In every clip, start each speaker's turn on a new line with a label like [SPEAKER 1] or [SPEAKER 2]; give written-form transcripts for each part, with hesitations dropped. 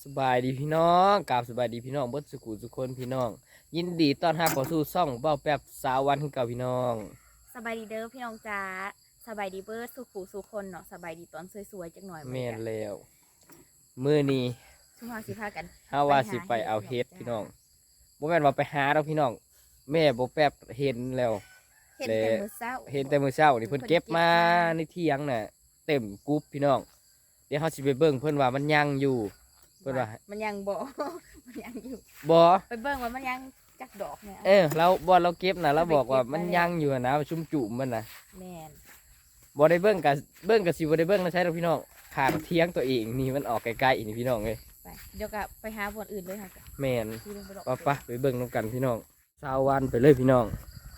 [SPEAKER 1] สบายดีพี่น้องกราบสบายดีพี่น้องเบิดสุขุสุคนพี่น้องยินดีต้อนรับเข้าสู่ช่องเบ้าแป๊บสาววันคือเก่าพี่น้อง
[SPEAKER 2] สบายดีเด้อพี่น้องจ้าสบายดีเบิร์ดสู่ผู้สู่คนเนาะสบายดีตอนสวยๆจักหน่อย
[SPEAKER 1] แม่นแล้วมื้อนี้
[SPEAKER 2] ช่วงเราสิพากัน
[SPEAKER 1] เฮาว่าสิไปเอาเฮ็ดพี่น้องบ่แม่นว่าไปหาดอกพี่น้องแม่บ่แป๊บเห็นแล้ว
[SPEAKER 2] เห็นแต่มื้อเช้า
[SPEAKER 1] เห็นแต่มื้อเช้านี่เพิ่นเก็บมาในเที่ยงน่ะเต็มกรุ๊ปพี่น้องเดี๋ยวเฮาสิไปเบิ่งเพิ่นว่ามันยังอยู่เพิ่นว่า
[SPEAKER 2] มันยังบ่ มันยังอยู่
[SPEAKER 1] บ่
[SPEAKER 2] ไปเบิ่งว่ามันยังจักดอกเนี่ย
[SPEAKER 1] เราบ่เราเก็บน่ะเราบอกว่ามันยังอยู่นะชุ่มจุ่มมันน่ะ
[SPEAKER 2] แม่น
[SPEAKER 1] บ่ได้เบิ่งกับสิบ่ได้เบิ่งนะใช่ดอกพี่น้องข้างเที่ยงตัวเองนี่มันออกไกลๆนี่พี่น้องเอ้ย
[SPEAKER 2] ไปเดี๋ยวก็ไปหาบนอื่นเลยค่ะ
[SPEAKER 1] แม่น
[SPEAKER 2] ที่ลงไปดอก
[SPEAKER 1] ไปไปเบิ่งนำกันพี่น้อง20วันไปเลยพี่น้อง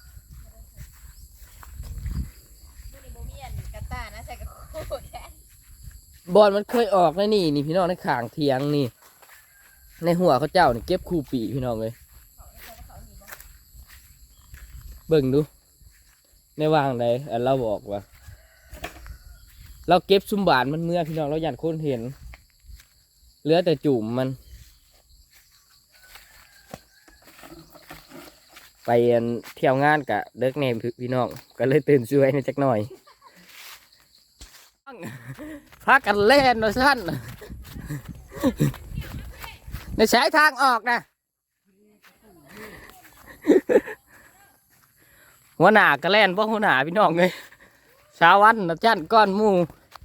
[SPEAKER 2] มื้อนี้บ่มีอันกระต้านะใส่กระโคดแค่
[SPEAKER 1] บอลมันเคยออกในนี่พี่น้องในข้างเที่ยงนี่ในหัวเขาเจ้านี่เก็บคู่ปีพี่น้องเอ้ยเบิ่งดูในวางใดเราบอกว่าเราเก็บซุมบานมันเมื่อพี่น้องเราอยากคนเห็นเหลือแต่จุ่มมันไปเที่ยวงานกะเลิกเนมพี่น้องก็เลยตื่นช่วยในจักหน่อยพักกันเล่นนะท่านในสายทางออกนะหัวหน้าก็เล่นเพราะหัวหน้าพี่น้องเลยสาวันนะจันก้อนหมู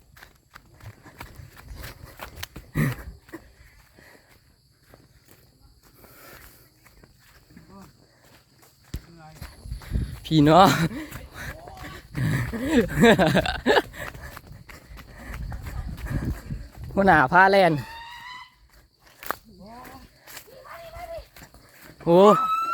[SPEAKER 1] พี่น้องหัวหน้าพาแลนโอ้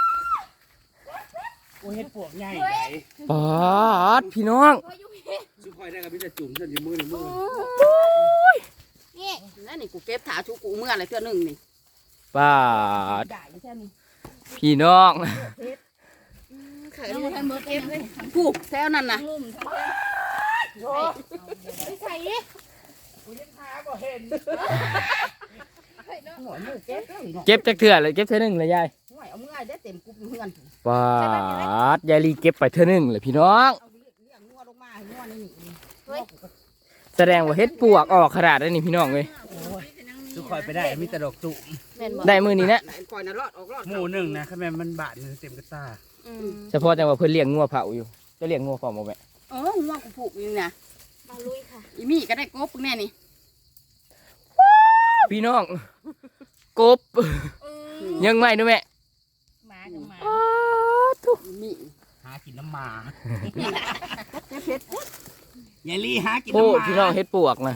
[SPEAKER 3] เฮ็ดปวกใหญ่ไหน
[SPEAKER 1] ปอดพี่น้อง
[SPEAKER 3] ชุกคอยได้กับพี่จะจุ่มฉันอยู่มือหนึ่งมือ
[SPEAKER 4] นี่นั่นนี่กูเก็บถาชูกูเมื่อไรเท่านึงนี่
[SPEAKER 1] ปอด
[SPEAKER 4] ได้แค่นี้
[SPEAKER 1] พี่น้อง
[SPEAKER 4] เคยได้ให้มือเก็บเลยกูแถวนั้นน่ะ
[SPEAKER 2] ไปใส่ดิ
[SPEAKER 3] กูยังหาบ่เห็น
[SPEAKER 4] หัวมือเก็บเลยเนาะ
[SPEAKER 1] เก็บจักเถื่อเลยเก็บเท่านึงเลยยาย
[SPEAKER 4] หัวเอาเมื่อได้เต็มกุบเฮือน
[SPEAKER 1] ปอดยายลีเก็บไปเท่านึงเลยพี่น้อง
[SPEAKER 4] เอาเลี้ยงงัวลงมาให้งัวนี่นี่
[SPEAKER 1] แสดงว่าเฮ็ดปวกออกขนาดนี้พี่น้องเลย
[SPEAKER 3] ชุกคอยไปได้มีแต่ดอกจุ่ม
[SPEAKER 4] แม่นบ่
[SPEAKER 1] ได้มือนี้นะ
[SPEAKER 4] คอยน่ะรอดออกรอด
[SPEAKER 3] หมู่หนึ่งนะข้าแม่มันบาดหนึ่งเต็มกระตา
[SPEAKER 1] เฉพาะจังว่าเพิ่นเลี้ยงงัวเผาอยู่จะเลี้ยงงัวเผาบ่แม่
[SPEAKER 4] งัวกูผูกอยู่น่ะ
[SPEAKER 2] มาลุยค่ะ
[SPEAKER 4] อีมี่ก็ได้กบแน่นี่
[SPEAKER 1] พี่น้องกบยังไม่ด้วยแม่
[SPEAKER 2] หมากับหมา
[SPEAKER 4] อีมี่
[SPEAKER 3] หากินน้ำหมา
[SPEAKER 4] เก็บเผ็ด
[SPEAKER 3] ยายลี่หากิน
[SPEAKER 1] โอ้
[SPEAKER 3] น้ำหมา
[SPEAKER 1] พี่น้องเฮ็ดปวกนะ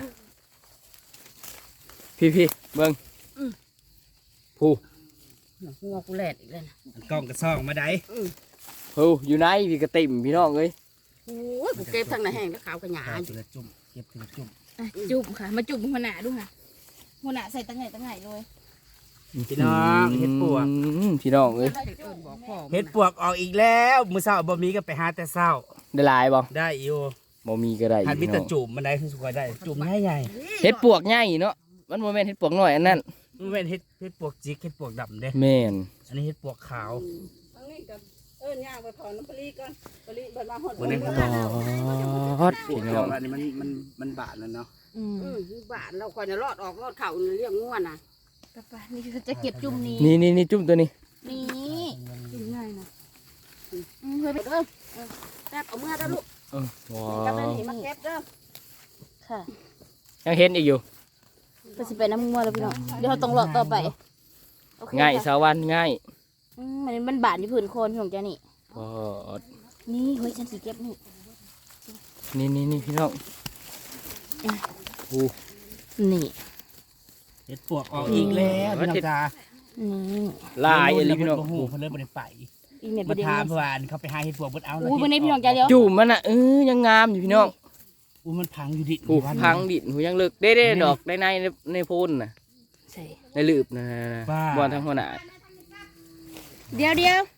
[SPEAKER 1] พี่เบิ่งผู้
[SPEAKER 4] งัวกูแหลดอีกเลยนะ
[SPEAKER 3] กล้องกระซ่องมาได้
[SPEAKER 1] ผู้อยู่ไหนพี่กระติ่มพี่น้องเอ้ย
[SPEAKER 4] โอ้ยกูเก็บทั้งในแห้งแล้วขาวกระหยา
[SPEAKER 3] หาทีละจุ่มเก็บทีละจุ่ม
[SPEAKER 2] จุ่มค่ะมาจุ่มหัวหน้าดูค่ะหัวหน้าใส่ตั้งไหนเลย
[SPEAKER 3] พี่น้องเฮ็ดปวก
[SPEAKER 1] พี่น้องเอ้ย
[SPEAKER 4] บอกพ่อ
[SPEAKER 3] เฮ็ดปวกออกอีกแล้วมื้อเช้าบ่มีก็ไปหาแต่เช้า
[SPEAKER 1] ได้หลายบ่
[SPEAKER 3] ได้อยู่
[SPEAKER 1] บ่มีก็ได้
[SPEAKER 3] หันมี
[SPEAKER 1] พี่น้
[SPEAKER 3] แต่
[SPEAKER 1] อง
[SPEAKER 3] จุ่มมันได้คือสุกคอยได้จุ่มใหญ่
[SPEAKER 1] เฮ็ดปวกใหญ่เนาะมันบ่แม่นเฮ็ดปวกน้อยอันนั้น
[SPEAKER 3] ๆมันเป็นเฮ็ดปวกจิกเฮ็ดปวกดำเด้
[SPEAKER 1] แม่น
[SPEAKER 3] อันนี้เฮ็ดปวกขาว
[SPEAKER 4] อันนี้ก็ย่างไปถอนน้ำปลีก่อนปลีเบิดมาหด
[SPEAKER 3] วันนี้
[SPEAKER 1] ปอดพี่น้อง
[SPEAKER 3] อันนี้มันบาดแล้วเนาะ
[SPEAKER 4] บ้านเราคอยน่ะรอดออกรอดเข่าเลี้ยงงัวน่ะ
[SPEAKER 2] กระปะนี่จะเก็บจุ่มนี้
[SPEAKER 1] นี่จุ่มตัวนี้
[SPEAKER 2] นี่
[SPEAKER 4] กินง่ายนะ
[SPEAKER 2] เฮ้ยไป
[SPEAKER 4] เด้อแป๊บเอาเมื่อเด้อลูก
[SPEAKER 1] ว้า
[SPEAKER 4] กับไป
[SPEAKER 1] ว
[SPEAKER 4] นี่มาเก็บเด้อ
[SPEAKER 2] ค่ะ
[SPEAKER 1] ยังเห็นอีกอยู่
[SPEAKER 2] ไปสิไปน้ำงัวแล้วพี่น้องเดี๋ยวเราต้องหลอกต่อไปโอเค
[SPEAKER 1] ง่าย
[SPEAKER 2] ค่ะ
[SPEAKER 1] สาวันง่าย
[SPEAKER 2] มันบาดที่ผืนโคนพี่ของเจ้านี่
[SPEAKER 1] ปอด
[SPEAKER 2] นี่เฮ้ยฉันสีเก็บนี่
[SPEAKER 1] นี่พี่น้องผู้
[SPEAKER 2] นี่
[SPEAKER 3] เฮ็ดปวกออกอีกแล้วพี่น้องจ้า
[SPEAKER 2] นี่
[SPEAKER 1] ลายอะไรพี่น้อง
[SPEAKER 3] โอ้โหเพิ่นเลยบ่ได้ไป
[SPEAKER 2] อีเม็ดป
[SPEAKER 3] มา
[SPEAKER 2] ระเดี๋ยว
[SPEAKER 3] ถาม
[SPEAKER 2] นี้
[SPEAKER 3] เพื่อนเขาไปหาเฮ็ดปวกเบิดเอาแล้ว
[SPEAKER 2] อู้วันนี้พี่น้องเจ้าเดียว
[SPEAKER 1] จุ่มมันอ่ะยังงามอยู่พี่น้อง
[SPEAKER 3] อู้มันพังอยู่ดิ
[SPEAKER 1] ผู้พังดินหูยังเลิกได้ดอกได้ในโพนน่ะ
[SPEAKER 2] ใช่
[SPEAKER 1] ในลืบนะบอลทั้งหัวหน้า
[SPEAKER 2] เดี๋ยว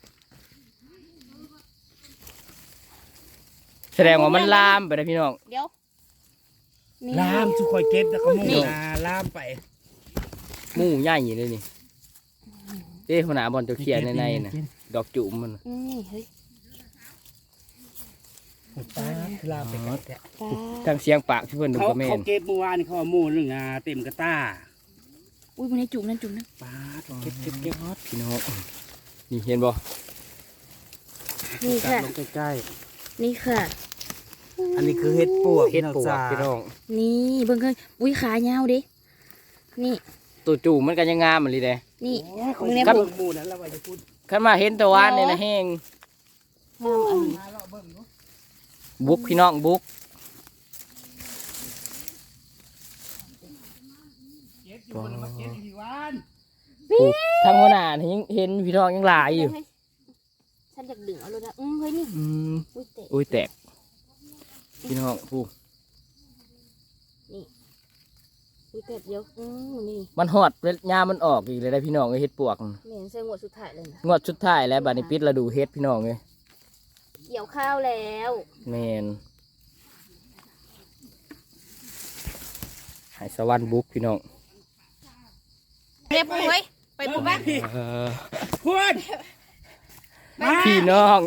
[SPEAKER 1] แสดงว่ามันลามไปนะพี่น้อง
[SPEAKER 2] เดี๋ยวนี่
[SPEAKER 3] ลามสุกคอยเก็บแล้วก็มุ่งนาลามไป
[SPEAKER 1] หมูใหญ่เลยนี่เด้หัวหน้าบอลเขียนในน่ะดอกจุ่มมัน
[SPEAKER 2] นี่เฮ้ย
[SPEAKER 3] ปลาคือลาไปกันแกะ
[SPEAKER 2] ปลา
[SPEAKER 1] ทางเสียงปากที่เพิ่นดู
[SPEAKER 3] เขา
[SPEAKER 1] ก็แม่
[SPEAKER 3] เขา
[SPEAKER 1] น
[SPEAKER 3] เก็บเมื่อวานนี่เขาเอาหมูหนึ่งเต็มกระต้า
[SPEAKER 2] อุ้ยมันให้จุ่มนั่นจุ่มนั่น
[SPEAKER 3] ปลา
[SPEAKER 1] เก็บพี่น้องนี่เห็นบ่
[SPEAKER 2] นี่
[SPEAKER 3] จับ
[SPEAKER 2] ค่ะ
[SPEAKER 3] ลงใกล้
[SPEAKER 2] นี่ค่ะ
[SPEAKER 3] ๆอันนี้คือเห็ดปวก
[SPEAKER 1] เฮ็ดปวกพี่น้อง
[SPEAKER 2] นี่เบิ่งเคยอุ้ยขายาวดินี่
[SPEAKER 1] ตัวจุ่มมันก็ยังงามเหมือนเลย
[SPEAKER 2] นี่
[SPEAKER 3] มึ
[SPEAKER 2] มึ
[SPEAKER 3] ง
[SPEAKER 2] ง
[SPEAKER 3] เนี่
[SPEAKER 2] เนี่ย ย
[SPEAKER 3] ป
[SPEAKER 2] ผู
[SPEAKER 3] ว
[SPEAKER 2] ก
[SPEAKER 3] กหมูนั้นเราไปจะพูด
[SPEAKER 1] คันมาเห็นตะวันเนี่ยนะแห้ง
[SPEAKER 2] งามอันนี้
[SPEAKER 1] บุกพี่น้องบุก
[SPEAKER 3] เก็บอยู่บนมาเก็บอยู่ที่วาน
[SPEAKER 1] ทางหัวหน้านี่ยังเห็นพี่น้องยังหลายอยู่
[SPEAKER 2] เฮ้ฉันอยากดึงเอาเลยนะเฮ้ยนี่
[SPEAKER 1] อืม
[SPEAKER 2] อุ้ยเตะ
[SPEAKER 1] อุ้ยแตกพี่น้องผู้
[SPEAKER 2] อุ้ยเตะเดี๋ยวนี่
[SPEAKER 1] มันหอดเวลยามมันออกอีกเลยได้พี่น้องเอ้ยเฮ็ดปวก
[SPEAKER 2] เหม็นเสื้องวดสุดท้ายเลยนะ
[SPEAKER 1] งวดสุดท้ายแล้วบัดนี้ปิดฤดูเฮ็ดพี่น้องเอ้ย
[SPEAKER 2] เกี่ยวข้าวแล้ว
[SPEAKER 1] แม่นให้สวรรค์บุกพี่น้อง
[SPEAKER 2] เรียบเฮ้ยไปปุ๊บบ้าง
[SPEAKER 3] พูดมา
[SPEAKER 1] พี่น้อง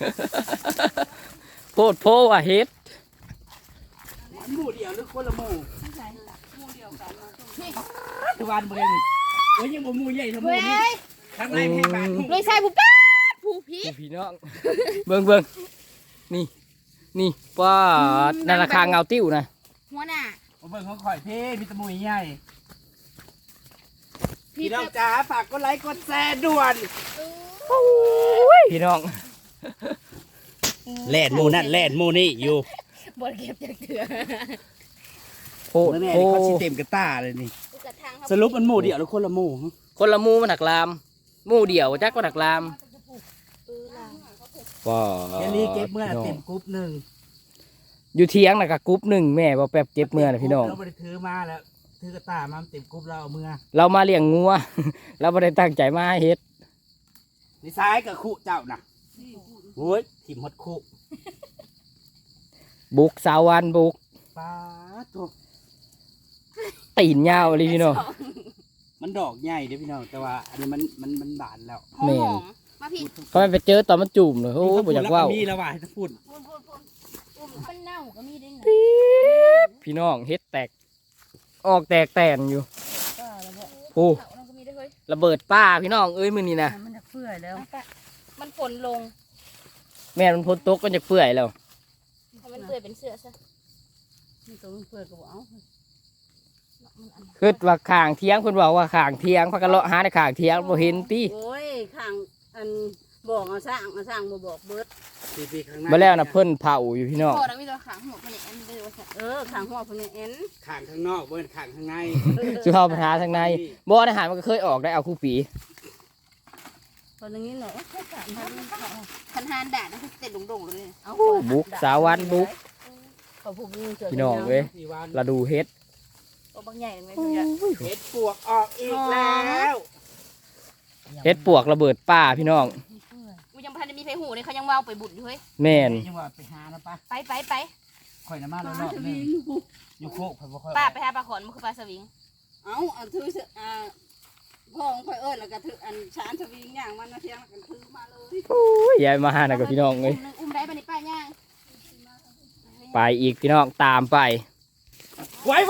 [SPEAKER 1] โพดโพว่าเฮ็ด
[SPEAKER 3] หมูเดียวหรือคนละหมูทุกวันเบิ่งโอ้ยยังบ่หมูใหญ่เท่าหมูนี่ข้างในแพงบาท
[SPEAKER 2] เลยใส่ปุ๊บป้าผู้พี่
[SPEAKER 1] พี่น้อง เบิ่งนี่นี่ป้าดนั่นราคาเงาติ้วนะ
[SPEAKER 2] หัวหน้า
[SPEAKER 3] เบิ่งของข่อยเพ่มีแตะมูใหญ่พี่น้องจ๋าฝากกดไลค์กดแชร์ด่วน
[SPEAKER 1] พี่น้อง
[SPEAKER 3] แล่นหมูนั่นแล่นหมูนี่อยู่
[SPEAKER 2] บดเก็บจากเถื่อ
[SPEAKER 1] โพด
[SPEAKER 3] แน่
[SPEAKER 1] โพ
[SPEAKER 3] ๆเขาสิเต็มกระต้าเลยนี่
[SPEAKER 2] กระทางเขา
[SPEAKER 3] สรุปมันหมูเดียวหรือคนละหมู
[SPEAKER 1] คนละหมูมันหักลามหมูเดี่ยวจักก็หักลามว้า
[SPEAKER 3] เดี๋ยวนี้เก็บเมื่อเต็มกรุ๊ปหนึ่ง
[SPEAKER 1] อยู่เทียงน่ะกับกรุ๊ปหนึ่งแม่บ่แป๊บเก็บเมื่อนะพี่น้อง
[SPEAKER 3] เราไปถือมาแล้วถือกระต้ามาเต็มกรุ๊ปเราเอาเมื่อ
[SPEAKER 1] เรามาเลี้ยงงัว เราไม่ได้ตั้งใจมาให้เฮ็ด
[SPEAKER 3] นี่ซ้ายกับคู่เจ้าน่ะโอ้ยถิ่มหดคู่
[SPEAKER 1] บุกสาววันบุก
[SPEAKER 3] ปลาตัว
[SPEAKER 1] ตีนยาวเลยพี่น้อง
[SPEAKER 3] มันดอกใหญ่เด้อพี่น้องแต่ว่าอันนี้มันบานแล้ว
[SPEAKER 2] หอมมาพี่
[SPEAKER 1] เขาไม่ไปเจอตอนมันจุ่มเลยโอ้ยบ่อยากว่าว
[SPEAKER 3] มีแล้วว่ะให้ถ้าพูด
[SPEAKER 2] พูดมันเน่าก็มีได้ไง
[SPEAKER 1] พี่น้องเฮ็ดแตก ออกแตกแตนอยู่โอ้
[SPEAKER 2] มันก็มีได้เฮ้ย
[SPEAKER 1] ระเบิดป้าพี่น้องเอ้ยมื้อนี้นะ
[SPEAKER 4] มันจะเปื่อยแล้ว
[SPEAKER 2] มันฝนลง
[SPEAKER 1] แม่มันพ้นตกก็จะเปื่อยแล้ว
[SPEAKER 2] เพราะมันเปื่อยเป็นเสื้อซะ
[SPEAKER 4] นี่ตัวมันเปื่อยก็บอกเอา
[SPEAKER 1] คือว่าข้างเทียงเพิ่นบอกว่าข้างเทียงพักกันเลาะหาในข้างเทียงบ่เห็นติ
[SPEAKER 4] โอ้ยข้างอันบอกเอาสร้างบ่บอกเบิด
[SPEAKER 3] ปีข้างหน้า
[SPEAKER 1] มาแล้วนะเพิ่นเผาอยู่พี่น้อง
[SPEAKER 2] พอแล้วมีตัวขางหัวมันเนี่ยอันเดียวซะ
[SPEAKER 4] ข้างหัวเพิ่นเนี่ยเอ็น
[SPEAKER 3] ข้างข้างนอกเบิ้นข้างข้างใน
[SPEAKER 1] สุภาพประทาทางในบ่อาหารมันก็เคยออกได้เอาคู่ปี
[SPEAKER 4] ตอนนี้เนาะ
[SPEAKER 2] พันหานด่านะคือเต็ดดงๆเลย
[SPEAKER 4] เอา
[SPEAKER 1] บุกสาววันบุก
[SPEAKER 4] เขาพูดนี่เจอ
[SPEAKER 1] พี่น้องเว้ย
[SPEAKER 3] สี่วัน
[SPEAKER 1] เราดูเฮ็ด
[SPEAKER 2] ตัวบางใหญ่เลยเพื่อน
[SPEAKER 3] เห็ดปวกออกอีกแล้ว
[SPEAKER 1] เฮ็ดปวกระเบิดป้าพี่น้อง
[SPEAKER 2] กูยังพันจะมีไฟหูเลยเขายังว่าวไปบุญอยู่เฮ้ย
[SPEAKER 1] แม่น
[SPEAKER 3] ยังว่าไปหานะป้า
[SPEAKER 2] ไป
[SPEAKER 3] ข่อยน้ำมาแล้วรอบนึงอยู่โคกข่อยบ่ค่อย
[SPEAKER 2] ป้าไปหาปลาขอนมันคือปลาสวิง
[SPEAKER 4] เอาอันถือพ่อของข่อยแล้วก็ถืออันชานสวิงย่างมันมาเที่ยงแล้วกันถือมาเลย
[SPEAKER 1] โอ้ยยายมาหานะกับพี่น้องเอ้ย
[SPEAKER 2] อุ้มได้ปะนี่ป้าย่าง
[SPEAKER 1] ไปอีกพี่น้องตามไป
[SPEAKER 3] ไว้ไว้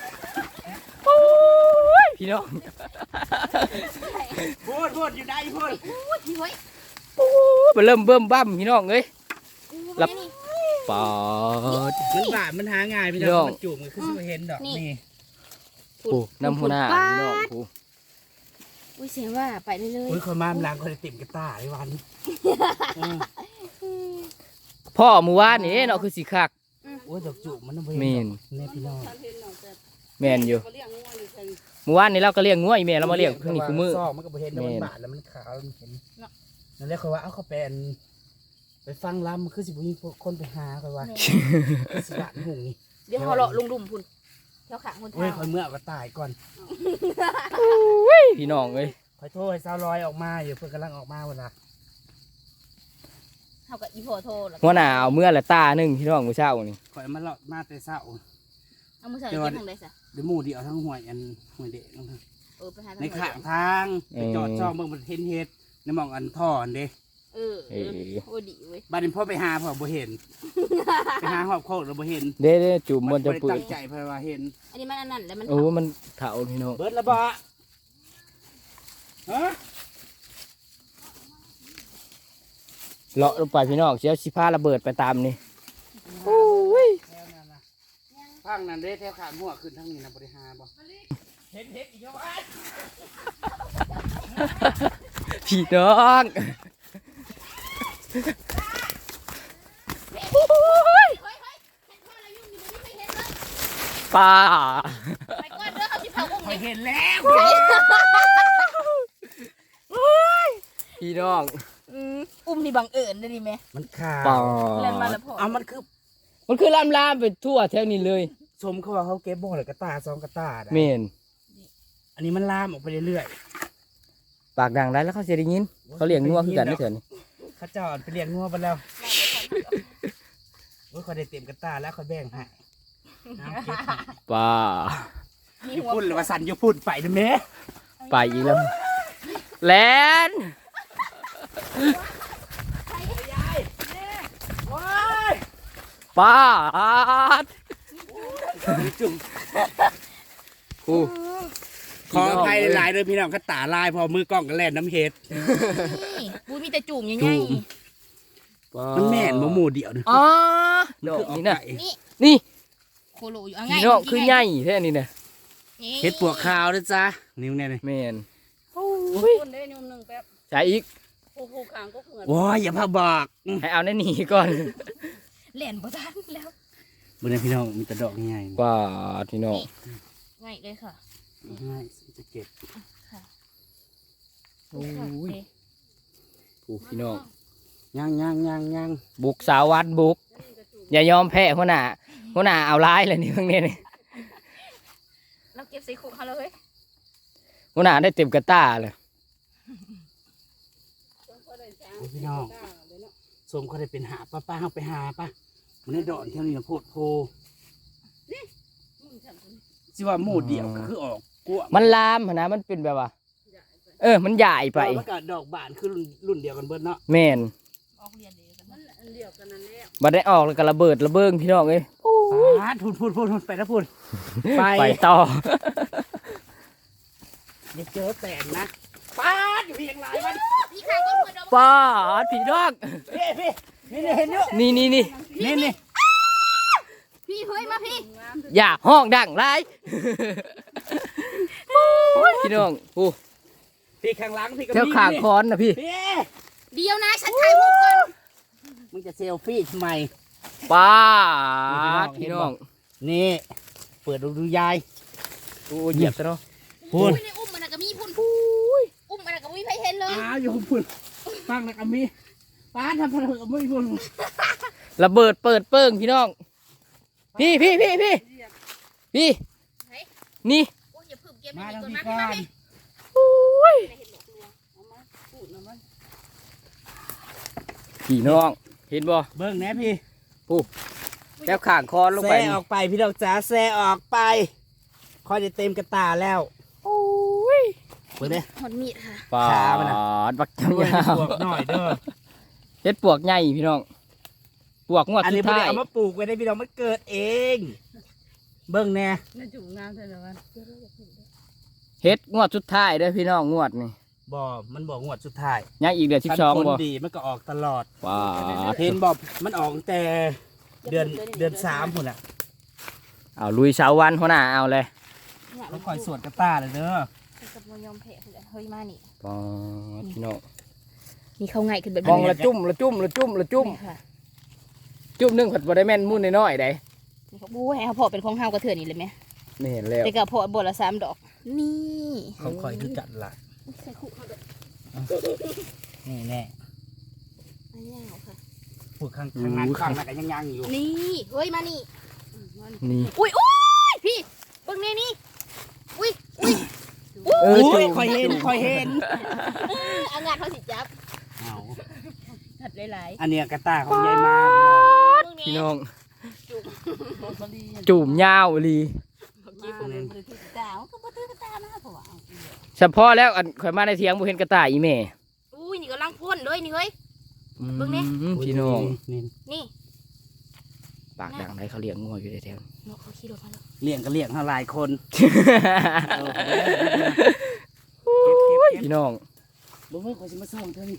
[SPEAKER 1] พี่น้อง
[SPEAKER 3] พูดอยู่ได้พูด
[SPEAKER 2] อุ้ยเฮ้ย
[SPEAKER 1] มันเริ่มเบิ่มบั้มพี่น้องเอ้ย
[SPEAKER 2] รับนี่
[SPEAKER 1] ปอด
[SPEAKER 3] มันบาดมันหาง่ายพี่
[SPEAKER 1] พี่น้
[SPEAKER 3] น้
[SPEAKER 1] อ
[SPEAKER 3] อง งมันจุ่มมันคือสิเห็นดอกนี่
[SPEAKER 1] โอ้น้ำหัวหน้าพี่น้องโอ้
[SPEAKER 2] อุ้ยเสียว่าไปเรื่อย
[SPEAKER 3] อุ้ยคนมาล้างคนติ่มกระต่ายวัน
[SPEAKER 1] พ่อหมู่ว่านนี่เนาะคือสิคัก
[SPEAKER 3] โอ้ยดอกจุ่มมันต้อง
[SPEAKER 1] แม่น
[SPEAKER 3] เนี่ยพี่น้อง
[SPEAKER 4] ฉันเห็นเนาะแต่
[SPEAKER 1] แม่นอยู่
[SPEAKER 4] เขาเลี้ยงงัวอยู่เพิ่น
[SPEAKER 1] หมู่ว่านนี่เราก็เลี้ยงงัวอีแม่เรามาเลี้ยงเพิ่งนี่คือมือ
[SPEAKER 3] ซอกมันก็บ่เห็นแล้วมันบาดแล้วมันขาวแล้วมันเห็นนั่นแหละเขาว่าเอาเขาเป็นไปฟังลำคือสิบุญคนไปหาเขาว่าสิบาดหุ่งนี่
[SPEAKER 2] ๆเดี๋ยวเขาเลาะลุงดุมพุ่นเที่ยวขางคน
[SPEAKER 3] เว้ย
[SPEAKER 2] เท้า
[SPEAKER 3] คอยเมื่อก็ตายก่อน
[SPEAKER 1] พี่น้องเอ้ย
[SPEAKER 3] คอยโทษให้สาวลอยออกมาอยู่เพื่อนกำลังออกมาเวลา
[SPEAKER 2] เขากับอีพ่อโทรแล้ว
[SPEAKER 1] หัวหน้าเอาเมื่อละตาหนึงพี่น้องมื้อเช้านี่
[SPEAKER 3] คอยมาเลาะมาแต่เช้า
[SPEAKER 2] เอามือใส่เก็บทางใดซะ
[SPEAKER 3] เดี๋ยวหมู่เดียวทั้งหวยอันหวยเด็กทั้ง
[SPEAKER 2] ไปหา
[SPEAKER 3] ในข้างทางไปจอดช่องเบิ่งมันเห็นเฮ็ดในหม่องอันท่ออันเด้
[SPEAKER 2] โอ้ดีเว้ย
[SPEAKER 3] บัดนี้พ่อไปหาพ่อบ่เห็น ไปหาหอบโคกแล้วบ่เห็น
[SPEAKER 1] เด้จุ่มมันจะ
[SPEAKER 3] บ่
[SPEAKER 1] เปื่
[SPEAKER 3] ได้
[SPEAKER 1] อย
[SPEAKER 3] ตั้งใจเพราะว่าเห็น
[SPEAKER 2] อันนี้มันอันนั้นแล้วมัน
[SPEAKER 1] โอ้มันเถาพี่น้อง
[SPEAKER 3] เบิดละบ่ฮะ
[SPEAKER 1] เลาะลงไปพี่น้องเสียวสิพาระเบิดไปตามนี่โอ้ย
[SPEAKER 3] แถวนั้นนะพังนั่นเด้แถวข้างหัวขึ้นทางนี้นะบ่ได้หาบ่เห็นอีกแล้วอ้าย
[SPEAKER 1] พี่น้องป้า
[SPEAKER 2] ไปก่อนเด้อเขาสิเผากุ้ง
[SPEAKER 3] ข่อยเห็นแล้ว
[SPEAKER 1] พี่น้อง
[SPEAKER 2] อุ้มนี่บังเอิญได้ดิแม่
[SPEAKER 3] มันขา
[SPEAKER 1] ป้า
[SPEAKER 2] เล่นมาแล้วพอ
[SPEAKER 3] เอามันคือ
[SPEAKER 1] มันคือลามไปทั่วแถวนี้เลย
[SPEAKER 3] ชมเขาว่าเขาเก็บบ่อเลยกระตาซองกระตาได้
[SPEAKER 1] เมน
[SPEAKER 3] อันนี้มันลามออกไปเรื่อย
[SPEAKER 1] ปากดังได้แล้วเขาเสียได้ยิน เขาเลี้ยงงัวคือกันไม่เถิน
[SPEAKER 3] ๆเขาเจอดไปเลี้ยงงัวไปแล้วโอ้ยเขาได้เต็มกระตาแล้วเขาแบ่งให้น้ำเก็บให้
[SPEAKER 1] ป้า
[SPEAKER 3] อยู่พุ่นหรือว่าสันอยู่พุ่นไปนะแม่
[SPEAKER 1] ไปอีกแล้วแลน
[SPEAKER 3] โอ้ย
[SPEAKER 1] ป้าด
[SPEAKER 3] จุ่ม
[SPEAKER 1] กู
[SPEAKER 3] ขออภัยหลายๆเลยพี่น้องกระตาลายพอมือกล้องก็แล่นน้ำเห็ด
[SPEAKER 2] นี่ปุ้ยมีแต่จุ่มยัง
[SPEAKER 3] จุ่
[SPEAKER 2] ไง
[SPEAKER 3] ม มันแม่นบ่หมู่เดียวนึง
[SPEAKER 1] อ๋อ
[SPEAKER 3] มัน
[SPEAKER 1] ดอก
[SPEAKER 3] คือออก
[SPEAKER 1] นี่นะ
[SPEAKER 3] ไก่
[SPEAKER 2] นี่
[SPEAKER 1] นี่
[SPEAKER 2] โคโลอยู่เอาไง
[SPEAKER 1] พี่น้องคือใหญ่แท้นี่นะ
[SPEAKER 3] เห็ดปวกขาวด้วยจ้านิ้วแน่เลย
[SPEAKER 1] แมน
[SPEAKER 4] คนได้นุ่มหนึ่งแป๊บ
[SPEAKER 1] ใช้อีก
[SPEAKER 4] ผูกขางก็เหมือน
[SPEAKER 3] โอ้ยอย่าพาบอก
[SPEAKER 1] ให้เอาในนี่ก่อน
[SPEAKER 2] เล่นบ่ทันแล้ว
[SPEAKER 3] บนนี้พี่น้องมีแต่ดอกง่าย
[SPEAKER 1] ป้าดพี่น้อง
[SPEAKER 2] ง่ายเลยค่ะ
[SPEAKER 3] ๆง่ายจะเก็บ
[SPEAKER 1] โอ้ยกูพี่น้อง
[SPEAKER 3] ย่าง
[SPEAKER 1] บุกสาววัดบุก อย่ายอมแพ้หัวหน้าเอาร้ายเลยนี่เพิ่งเนี่ย
[SPEAKER 2] เราเก็บใส่คุกเขาเลย
[SPEAKER 1] หัวหน้าได้เต็มกระต้าเลย
[SPEAKER 3] พี่น้องสมเขาได้เป็นหาป้าเขาไปหาป้ามันได้ดอกเท่านี้นะโพดโพสิว่าหมู่เดียวก็คือออกกล้ว
[SPEAKER 1] มันลามหั้นนะมันเป็นแบบว่า มันใหญ่ไป
[SPEAKER 3] มันก็ดอกบานคือรุ่นเดียวกันเบิดเนาะ
[SPEAKER 1] แม่น
[SPEAKER 2] ออกเรียนเดียวกัน
[SPEAKER 4] มันอันเดียวกันนั่นแหละ
[SPEAKER 1] บัดได้ออกแล้วก็ระเบิดระเบิงพี่น้องเอ้ย
[SPEAKER 3] ป้าดพูดไปแล้วพูด
[SPEAKER 1] ไปต่อ
[SPEAKER 3] อย่าเจอแตนนะป้าดอยู่เพียงไรมัน
[SPEAKER 2] พี่ข้างก็เหมือน
[SPEAKER 1] ป้าดพี่น้อง
[SPEAKER 3] พี่นี่เห็นเยอะ
[SPEAKER 1] นี่
[SPEAKER 3] นี่
[SPEAKER 2] พี่เฮ้ยมาพี่
[SPEAKER 1] อย่าห้องดังไรพี่น้องโอ้
[SPEAKER 3] พี่ข้างหลังพี่ก็
[SPEAKER 1] แถวขางคอนนะพี่
[SPEAKER 3] พี่
[SPEAKER 2] เดียวนะฉันถ่ายรูปก่อน
[SPEAKER 3] มึงจะเซลฟี่ทำไม
[SPEAKER 1] ป้าดพี่น้อง
[SPEAKER 3] นี่เปิดดูยาย
[SPEAKER 1] โอ้เหยียบซะเนาะ
[SPEAKER 3] พูน
[SPEAKER 2] อุ้ยในอุ้มมันก็มีพุ่นอุ้มมันก็มีใครเห็นเลย
[SPEAKER 3] อยู่พูนฟังนะกัมมี่ป้าทำอะไรกับมึงพูน
[SPEAKER 1] ระเบิดเปิดเปิ้งพี่น้องพี่นี่
[SPEAKER 2] โอ้ยอย่าพึ่งเก็บ
[SPEAKER 3] มา
[SPEAKER 2] ไม่
[SPEAKER 3] ทาง
[SPEAKER 2] ดี
[SPEAKER 3] พี่
[SPEAKER 2] ก่อน
[SPEAKER 3] ก่อ
[SPEAKER 2] มาน พี่
[SPEAKER 1] พี่น้องเห็นบ่
[SPEAKER 3] เบิ้งแน่พี่
[SPEAKER 1] แถวขางคอนลงไป
[SPEAKER 3] แซ่ออกไปพี่ดอกจ๋าแซ่ออกไปคอยจะเต็มกระตาแล้วเบิ้งเด้
[SPEAKER 2] หดมีดค่ะ
[SPEAKER 1] ป้า
[SPEAKER 3] ขามันน่ะ
[SPEAKER 1] ดบัก
[SPEAKER 3] ด้วย
[SPEAKER 1] ยาว
[SPEAKER 3] ปวกหน่อยเด้อ
[SPEAKER 1] เฮ็ดปวกใหญ่พี่น้องปวกงวด
[SPEAKER 3] อัน
[SPEAKER 1] สุ
[SPEAKER 3] นี้
[SPEAKER 1] ด
[SPEAKER 3] ไม่
[SPEAKER 1] ท้า
[SPEAKER 3] ได้
[SPEAKER 1] ย
[SPEAKER 3] เอามาปลูกไว้ได้พี่น้องมันเกิดเอง เบิ้งแน่
[SPEAKER 4] น่าจุ่มงามเท่าไหร่วะ
[SPEAKER 1] เฮ็ดงวดสุดท้ายเด้อพี่น้องงวดนี่
[SPEAKER 3] มันบอกงวดสุดท้าย
[SPEAKER 1] ยังอีกเดือน12
[SPEAKER 3] คน
[SPEAKER 1] บ่
[SPEAKER 3] ดีมันก็ออกตลอด
[SPEAKER 1] ว้า
[SPEAKER 3] เห็นบอกมันออกตั้งแต่เดือน3พุ่นอ่ะ
[SPEAKER 1] เอาลุยเสาวันหัวหน้าเอาเลย
[SPEAKER 3] ต้องคอยสวดกระตาเลยเด้อ
[SPEAKER 2] กับมยอมแพ้เลยเฮ้ยมานี่
[SPEAKER 1] ป้าดพี่น้อง
[SPEAKER 2] มีเขาไงขึ้นแบบ
[SPEAKER 1] มองละจุ่มละจุ่มละจุ่มละจุ่ม
[SPEAKER 2] ค่ะ
[SPEAKER 1] จุ่มหนึงผัดบ่ได้แม่นมุ่นน้อยๆได้
[SPEAKER 2] นี่เขาบู๊ให้เขาพอเป็นของเฮากระเถื่อนนี่เลยไหม
[SPEAKER 1] ไม่เห็นแล้ว
[SPEAKER 2] แต่ก็พอบทละ3 ดอก นี่
[SPEAKER 3] ของคอยคือจัดละ
[SPEAKER 2] ใส่คุกเขาด้วย
[SPEAKER 3] นี่แน่
[SPEAKER 2] อันนี้เอาค่ะ
[SPEAKER 3] พูดข้างนั้นข้างนั้นก็ยังอยู่
[SPEAKER 2] นี่เฮ้ยมานี่
[SPEAKER 1] นี่
[SPEAKER 2] อุ้ยพี่เบิ่งนี่อุ้ย
[SPEAKER 1] เออ
[SPEAKER 3] อุ้ย
[SPEAKER 1] จุ่ม
[SPEAKER 3] คอยเห็น
[SPEAKER 2] เอางานเขาสิจับ
[SPEAKER 3] เอา
[SPEAKER 2] ถัดหลาย
[SPEAKER 3] อันเนี้ยกระตาของยายมา
[SPEAKER 2] ๆเบิ่ง
[SPEAKER 1] พี่
[SPEAKER 2] นี่
[SPEAKER 1] น้อง
[SPEAKER 4] บริ
[SPEAKER 1] จุ่มยาวอีหลี
[SPEAKER 4] มาเลยบริทุกดาวก็บ่ถือกระตามาเพราะว่าเอาอีก
[SPEAKER 1] เฉพาะแล้วอันข่อยมาในเถียงบ่เห็นกระต่ายอีแม่
[SPEAKER 2] อุ้ยนี่กำลังพ่นเลยนี่เฮ้ย เบิ่งแน่
[SPEAKER 1] พี่น้อง
[SPEAKER 3] นี่
[SPEAKER 2] นี่
[SPEAKER 1] ปากดังได้เขาเลี้ยงงัวอยู่ในแถวนี้
[SPEAKER 2] เนาะเขาขี่รถมาแล้ว
[SPEAKER 3] เลี้ยงก็เลี้ยงเท่าหลายคนเออ
[SPEAKER 1] โอ้ยพี่น้อง
[SPEAKER 3] บ่เมื่อเขาจะมาส่งเธอนี่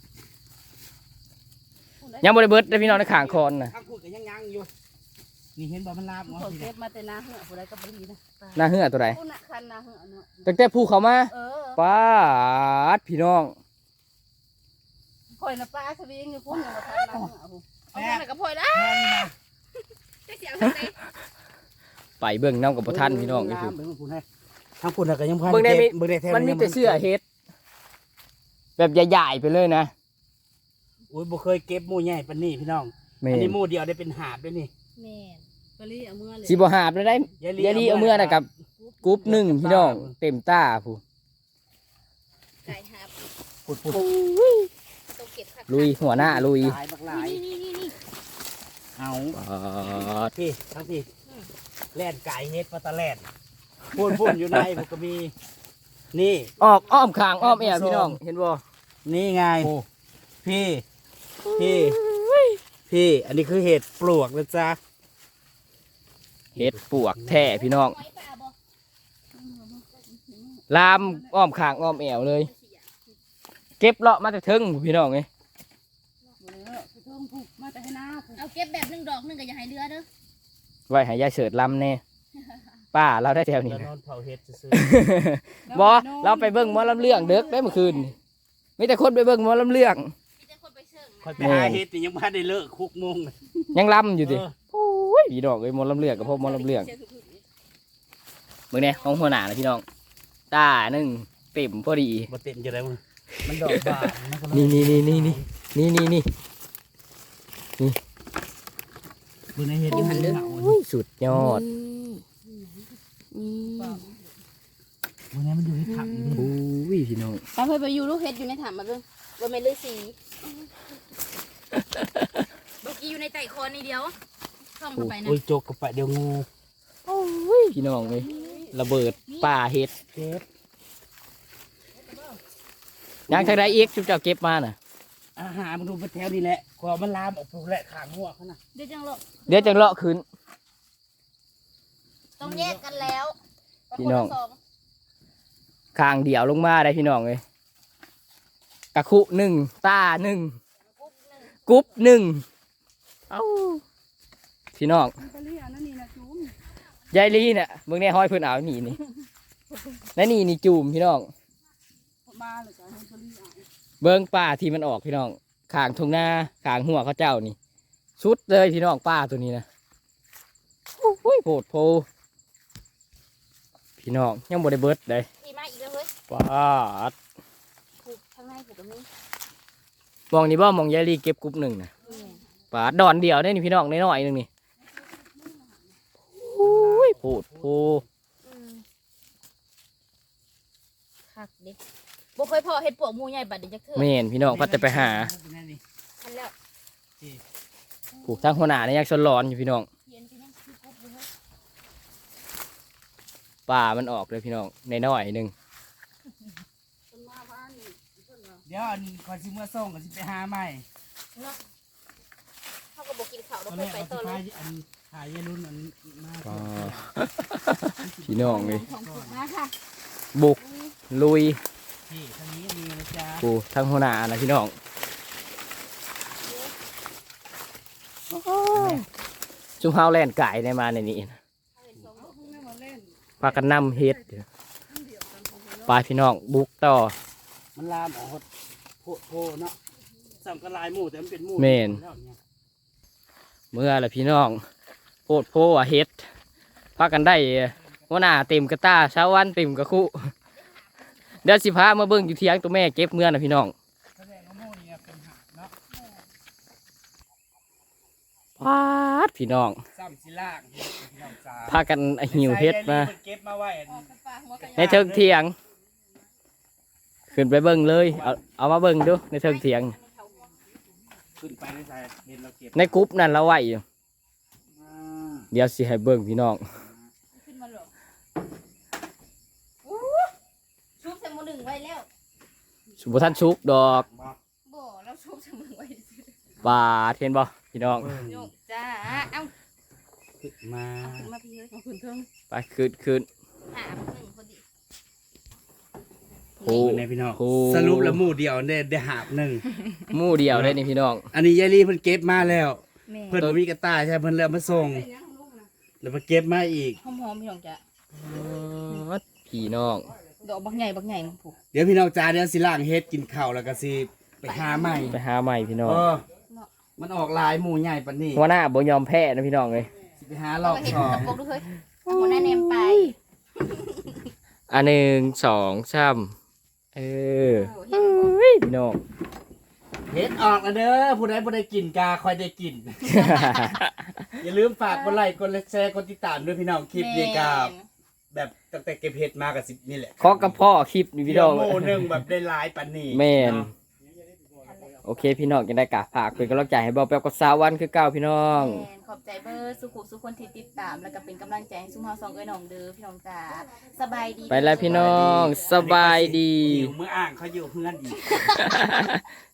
[SPEAKER 1] ยังบ่ได้เบิดเด้อพี่น้องในข้างคอนน่ะ
[SPEAKER 3] ข้างพูดก็ยังอยู่นี่เห็นบ่มันลาบ
[SPEAKER 4] ผ
[SPEAKER 3] เนาะ
[SPEAKER 4] มเก็บมาแต่นาเหือผู้ใดก็บ่ดีนะ
[SPEAKER 1] หน้าเหือตัวใด
[SPEAKER 4] ผู้น่ะคันนาเหือเนาะ
[SPEAKER 1] ตั้งแต่ภูเขามา
[SPEAKER 4] เออ
[SPEAKER 1] ปาดพี่น้อง
[SPEAKER 4] ข่อยน่ะปลาสวิงอยู่พุ่นน่ะคันนาเหือผู้
[SPEAKER 2] เอาแค่ไหนก็พอแล้ว
[SPEAKER 3] แม่นี่นะ
[SPEAKER 2] จะเสียงทางไหน
[SPEAKER 1] ไปเบิ่งน้ำกับบ่ทันพี่น้องนี่คือ
[SPEAKER 3] เบิ่งพูดให้ทางพูดน่ะก็ยังพัน
[SPEAKER 1] เบิ่งได้มี
[SPEAKER 3] เบิ่งได้แท้
[SPEAKER 1] มันมีแต่เสื้อเฮ็ด แบบใหญ่ๆไปเลยนะ
[SPEAKER 3] โอ้ยบ่เคยเก็บหมู่ใหญ่ปานนี้พี่น้อง
[SPEAKER 1] แม่
[SPEAKER 3] อัน
[SPEAKER 1] น
[SPEAKER 3] นี้หมู่เดียวได้เป็นหาบด้วยนี่
[SPEAKER 2] แม่น
[SPEAKER 4] ปลีเอามือเลย
[SPEAKER 1] สิบ่หาบเลยได้ยายลีเอาเมื่อน่ะกับกรุ๊ปหนึ่งพี่น้องเต็มตาผู้
[SPEAKER 2] ไก่หาบ
[SPEAKER 3] พูด
[SPEAKER 2] ต้องเก็บผัก
[SPEAKER 1] ลุยหัวหน้าลุย
[SPEAKER 3] หลายบักหลาย
[SPEAKER 2] นี่
[SPEAKER 3] เอา
[SPEAKER 1] ปาด
[SPEAKER 3] พี่ทั้งพี่แล่นไก่เฮ็ดปลาตะแล่นพูนอยู่ในผมก็มี นี่
[SPEAKER 1] ออกอ้อมข้างอ้อมแอวพี่น้องเห็นบ่
[SPEAKER 3] นี่ไง
[SPEAKER 1] โอ้
[SPEAKER 3] พี่พี่ อันนี้คือเห็ดปลวกนะจ๊ะ
[SPEAKER 1] เฮ็ดปวกแท้พี่น้อง
[SPEAKER 2] ไว้ป่าบ่
[SPEAKER 1] ลามอ้อมข้างอ้อมแอวเลย เก็บเลาะมาแต่ถึงพี่น้องเอ้ย
[SPEAKER 4] บ่ได้เด้อไปเทิงผู้มาแต่ให้นาผู้
[SPEAKER 2] เอาเก็บแบบหนึงดอกหนึงก็อย่าให้เรือเด้อ
[SPEAKER 1] ไว้ให้ยายเสิร์ตลำแน่ป้าเราได้แถวนี้
[SPEAKER 3] แล้ว
[SPEAKER 1] นะ
[SPEAKER 3] นอนเผาเห็ดซื้อ
[SPEAKER 1] บ่เราไปเบิ่งหมอลำเรื่องเด็กได้เมื่อคืนนี่มีแต่คนไปเบิ่งหมอลำเรื่อง
[SPEAKER 2] มีแต่คนไปเชิง
[SPEAKER 3] ๆคอยไปหาเห็ดนี่ยังไม่ได้เลิกคุกโมงเลย
[SPEAKER 1] ยังลำอยู่ดิ
[SPEAKER 3] เออ
[SPEAKER 1] โอ้ยพี่น้องเอ้ยหมอลำเรื่องกับพวกหมอลำเรื่องเบิ่งแน่ของหัวหน้านะพี่น้องตาหนึ่งเต็มพอดี
[SPEAKER 3] บ่เต็มจะได้มึงมันดอกบานมันก็เลย
[SPEAKER 1] นี่
[SPEAKER 3] เบิ่งในเห็ดอยู่หันเด้อ
[SPEAKER 1] โอ้ยสุดยอด
[SPEAKER 3] เบิ่งในมันอยู่ที่ถังนี่
[SPEAKER 1] โอ้ยพี่น้อง
[SPEAKER 4] ตาเคยไปอยู่ลูกเฮ็ดอยู่ในถามมาเบิ่ง
[SPEAKER 2] บ่แม่นฤาษีเมื่อกี้อยู่ในไต่โคนนี่เดียวท่องเข้าไปนะ
[SPEAKER 3] โอ้ยโจกกับไปเดี๋ยวงู
[SPEAKER 1] โอ้ยพี่น้องเลยระเบิดป่าเห็ด
[SPEAKER 3] เก็บ
[SPEAKER 1] ยังทางใดอีกชุบเจ้าเก็บมาน่ะ
[SPEAKER 3] อาหารมันดูไปแถวนี่แหละกว่ามันลามออกปลูกแหละขางหัวเขาน่ะ
[SPEAKER 2] เดี๋ยวจังหรอก
[SPEAKER 1] เดี๋ยวจังเลาะขึ้น
[SPEAKER 2] ต้องแยกกันแล้ว
[SPEAKER 1] พี่น้อง
[SPEAKER 2] คละส
[SPEAKER 1] ข้างเดี่ยวลงมาได้พี่น้องเลยกะคุหนึ่งตาหนึ่งกรุ๊ปหนึ่งเอ้าพี่น้อง
[SPEAKER 4] มันปลีอันนั้นนี่นะจุ้ม
[SPEAKER 1] ยายลีเนี่ยเบิ่งแน่ห้อยเพิ่นเอาหนีนี่และนี่จูมพี่น้อง
[SPEAKER 4] มาเลยก็ให้ปลีเอา
[SPEAKER 1] เบิ่งป่าที่มันออกพี่น้องข้างทุ่งนาข้างหัวเขาเจ้านี่สุดเลยพี่น้องป่าตัวนี้นะโอ้ยโผดโพพี่น้องยังบ่ได้เบิดเลย
[SPEAKER 2] อีมาอีกแล้วเฮ้ย
[SPEAKER 1] ป่าด
[SPEAKER 2] ผูกข้างในผูกตรงนี้
[SPEAKER 1] มองนี่บ่มองยายลีเก็บกรุ๊ปหนึ่งนะป่าดดอนเดียวได้นี่พี่น้องน้อยๆหนึงนี่โอ้ยโผดโพ
[SPEAKER 2] คักเด็กบ่เคยพอเฮ็ดปวกหมูใหญ่บัดเดี๋ยวจะเถื่อ
[SPEAKER 1] แม่นพี่น้องพัดแต่ไปหา
[SPEAKER 2] ทันแล้ว
[SPEAKER 1] ผูกทางหัวหน้าเนี่ยยังสนร้อนอยู่พี่น้อง
[SPEAKER 2] เขียนไปยังคือกบอยู่เฮ้ย
[SPEAKER 1] ป่ามันออกเลยพี่น้องน้อยๆหนึง
[SPEAKER 4] คนมาบ้านนี่เพิ่นว่า
[SPEAKER 3] เดี๋ยวอันคอยซิเมื่อส่งก็สิไปหาใหม่
[SPEAKER 2] เนาะเขาก็บ่กินข้าว
[SPEAKER 3] ต
[SPEAKER 2] แล้
[SPEAKER 3] อ
[SPEAKER 2] วน ค่อย
[SPEAKER 3] แรก
[SPEAKER 2] ไป
[SPEAKER 3] เอา
[SPEAKER 2] ต่อ
[SPEAKER 3] สิ
[SPEAKER 2] เล
[SPEAKER 3] พาย ยอันขายยายรุ่นอันมา
[SPEAKER 1] ป่าพี่น้องเลย
[SPEAKER 4] ของผูกมาค่ะ
[SPEAKER 1] บุกลุย
[SPEAKER 3] ที่ทางนี้มีนะจ๊ะ
[SPEAKER 1] ผูทางหัวหน้านะพี่น้องจุ่มเฮาแล่นไก่ในมาในนี้นะ
[SPEAKER 4] เอาพวกนี้มาเล่น
[SPEAKER 1] พากันนำเฮ็ดไปพี่น้องบุกต่อ
[SPEAKER 3] มันลามออกโพเนาะสั่งกระลายหมูแต่มันเป็นหมู
[SPEAKER 1] แม่น
[SPEAKER 3] แล้วเนี่ย
[SPEAKER 1] เมื่อละพี่น้องโพดโพว่าเฮ็ดพากันได้หัวหน้าเต็มกระตาเช้าวันเต็มกระคุเดี๋ยวสิพามาเบิ่งอยู่เที่ยงตัวแม่เก็บเมื่อนะพี่น้อง
[SPEAKER 3] แสดงว่าหมูนี่เป็นหักเนาะ
[SPEAKER 1] พาดพี่น้อง
[SPEAKER 3] ซ้ำสิล่างพี่น้องจ๋า
[SPEAKER 1] พากันหิวเฮ็ดมา
[SPEAKER 3] เก็บมาไว้อัน
[SPEAKER 4] ออกไปปลาหัวกระ
[SPEAKER 1] ในเทิงเถียง ขึ้นไปเบิ่งเลย เอามาเบิ่งดูในเทิงเถียง
[SPEAKER 3] ขึ้นไปในสายเห็นเราเก็บ
[SPEAKER 1] ในกรุ๊ปนั่นเราไหวอยู่
[SPEAKER 3] อ่า
[SPEAKER 1] เดี๋ยวสิให้เบิ่งพี่น้อง
[SPEAKER 4] ขึ้นมาหรอกว้แล้ว
[SPEAKER 1] สุบท่านชุกดอก
[SPEAKER 4] บ่เราชุบเสมอไว้ซื่อ
[SPEAKER 1] ปลาเทนบ่พี่น้อง
[SPEAKER 4] โยกจ้าเอ้า
[SPEAKER 3] มา
[SPEAKER 4] เอาขึ้นมาพี่เอ้ยเอาขึ้นเทิง
[SPEAKER 1] ไปคืน
[SPEAKER 4] หาหนึ่งพอดี
[SPEAKER 1] โอ้
[SPEAKER 3] ในพี่น้อง
[SPEAKER 1] โอ้
[SPEAKER 3] สรุปแล้วหมู่เดียวได้หาบหนึ่ง
[SPEAKER 1] หมู่เดียวได้นี่พี่น้อง
[SPEAKER 3] อันนี้ยายลีเพิ่นเก็บมาแล้ว
[SPEAKER 2] แม่
[SPEAKER 3] เพิ่นบ่มีกระต่ายใช่เพิ่นเลยเอามาส่ง
[SPEAKER 4] เป็นยังลูกนะ
[SPEAKER 3] แล้วมาเก็บมาอีก
[SPEAKER 2] หอมๆพี่น้องจ้า
[SPEAKER 1] พี่น้อง
[SPEAKER 2] ดอกบักใหญ่บักใหญ่มึงผูก
[SPEAKER 3] เดี๋ยวพี่น้องจ้าเดี๋ยวสิล้างเฮ็ดกินข้าวแล้วก็สิไปหาใหม่
[SPEAKER 1] ไปหาใหม่พี่น้อง
[SPEAKER 3] เออมันออกลายหมู่ใหญ่ปานนี้
[SPEAKER 1] หัวหน้าบ่ยอมแพ้นะพี่น้องเลย
[SPEAKER 3] สิไปหารอบ
[SPEAKER 2] เห็น
[SPEAKER 3] สอง
[SPEAKER 2] ตะปกดูเฮ้ยหัวหน้าเนมไป
[SPEAKER 1] อัน1 2 3เออพี่น้อง
[SPEAKER 3] เฮ็ดออกแล้วเด้อผู้ใดบ่ได้กินกาค่อยได้กิน อย่าลืมฝากกดไลค์กดแชร์กดติดตามด้วยพี่น้องคลิปนี้ก็แบบตั้งแต่เก็บเฮ็ดมาก็10นี่แหละ
[SPEAKER 1] ขอกับพ่อคลิปนี่พี่น้อง
[SPEAKER 3] เดี๋ยวโมหนึงแบบได้หลายปานนี้
[SPEAKER 1] แม่น
[SPEAKER 3] เนาะ
[SPEAKER 1] โอเคพี่น้องยังได้กะฝากเป็นกำลังใจให้เบาแป๊บกับสาววันคือเก่าพี่น้อง
[SPEAKER 2] แม่นขอบใจเบอร์สุขุสุคนที่ติดตามแล้วก็เป็นกำลังใจให้ซุ่มเฮาสองเอ้ยน้องเด้อพี่น้องจ้าสบายดี
[SPEAKER 1] ไปแล้วพี่น้องสบายดี
[SPEAKER 3] หิวมื้ออ่างเขาอยู่เฮือนอีก